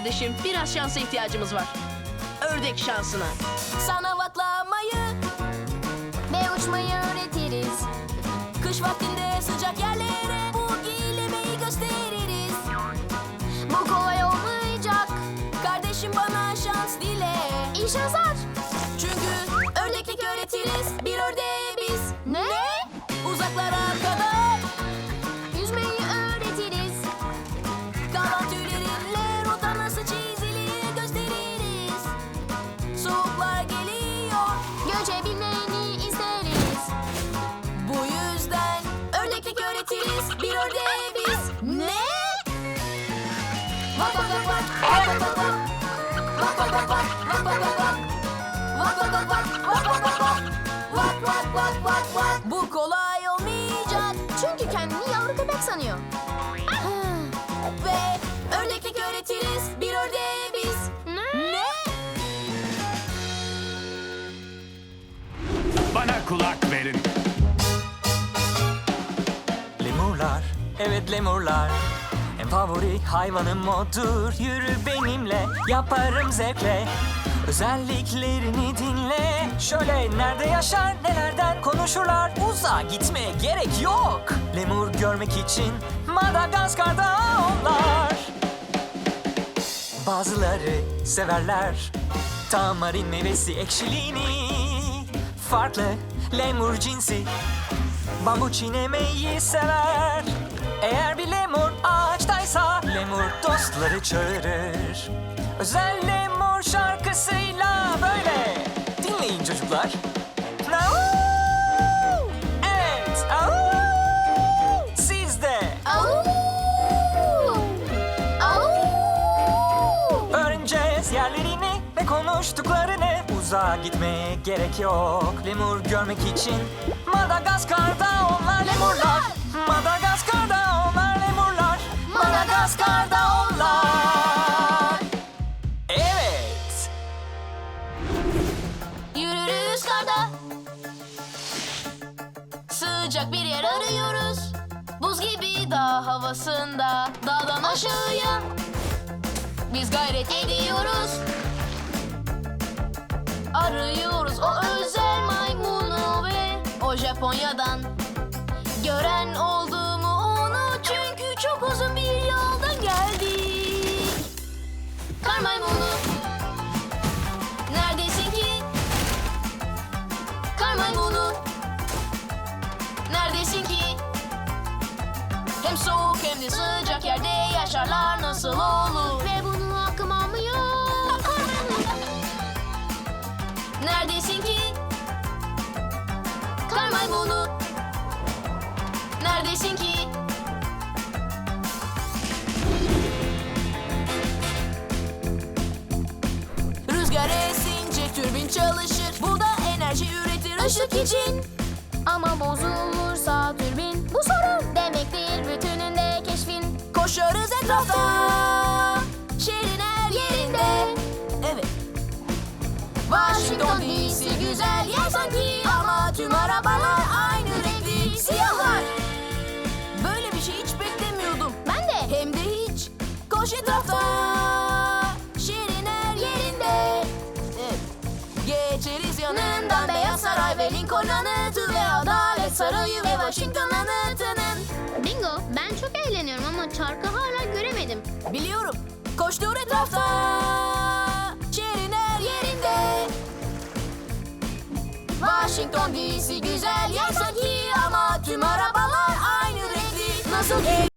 kardeşim. Biraz şansa ihtiyacımız var. Ördek şansına. Sana vaklamayı Ve uçmayı öğretiriz. kış vaktinde sıcak yerlere bu giyilemeyi gösteririz. Bu kolay olmayacak. Kardeşim bana şans dile. İyi şanslar. Çünkü ördeklik öğretiriz bir ördeğe biz. Ne? Uzaklara kadar Yüzmeyi öğretiriz. kalan tüylerinle rota nasıl çizilir gösteririz. Soğuklar geliyor. Göçebilmeni isteriz. Bu yüzden ördeklik öğretiriz bir ördeğe biz. Ne? Vak vak vak vak vak vak vak. Vak vak vak vak vak vak vak vak. Vak vak vak vak vak vak vak vak. Vak vak vak vak vak. Bu kolay olmayacak. Çünkü kendini yavru köpek sanıyor. Ve ördeklik öğretiriz bir ördeğe biz. Ne? Bana kulak verin. Lemurlar, evet lemurlar. En favori hayvanım odur. Yürü benimle, yaparım zevkle. Özelliklerini dinle. Şöyle nerede yaşar, nelerden konuşurlar. Uzağa gitmeye gerek yok. Lemur görmek için Madagaskar'da onlar. Bazıları severler tamarin meyvesi ekşiliğini. Farklı lemur cinsi bambu çiğnemeyi sever. Eğer bir lemur ağaçtaysa lemur dostları çağırır. Özel lemur şarkısıyla böyle. Dinleyin çocuklar. Au! Evet. Au! Siz de. Au! Au! Öğreneceğiz yerlerini ve konuştuklarını. Uzağa gitmeye gerek yok. Lemur görmek için Madagaskar'da onlar lemurlar. Madagaskar'da onlar lemurlar. Madagaskar'da onlar. Evet. Yürürüz karda. Sıcak bir yer arıyoruz. Buz gibi dağ havasında. Dağdan aşağıya biz gayret ediyoruz. Arıyoruz o özel maymunu ve o Japonya'dan. Gören oldu mu onu çünkü çok uzun bir yoldan geldik. Kar maymunu, neredesin ki? Kar maymunu, neredesin ki? Hem soğuk hem de sıcak yerde yaşarlar nasıl olur? Ve bunu hakkım almıyor. Neredesin ki? Kar maymunu, neredesin ki? Rüzgar esince türbin çalışır. Bu da enerji üretir ışık için. Ama bozulursa türbin bu sorun demektir bütününde keşfin. Koşarız etrafta, şehrin her yerinde. Evet. Washington DC güzel yer sanki. Ama tüm arabalar aynı renkli siyahlar. Böyle bir şey hiç beklemiyordum. Ben de. Hem de hiç. Koş etrafta, şehrin her yerinde. Evet. Geçeriz yanından Beyaz Saray ve Lincoln anıtı ve Adalet Sarayı ve Washington anıtının. Bingo, ben çok eğleniyorum ama çarkı hala göremedim. Biliyorum. Koştur etrafta, şehrin her yerinde. Washington DC güzel yer sanki. Ama tüm arabalar aynı renkli. Nasıl ki?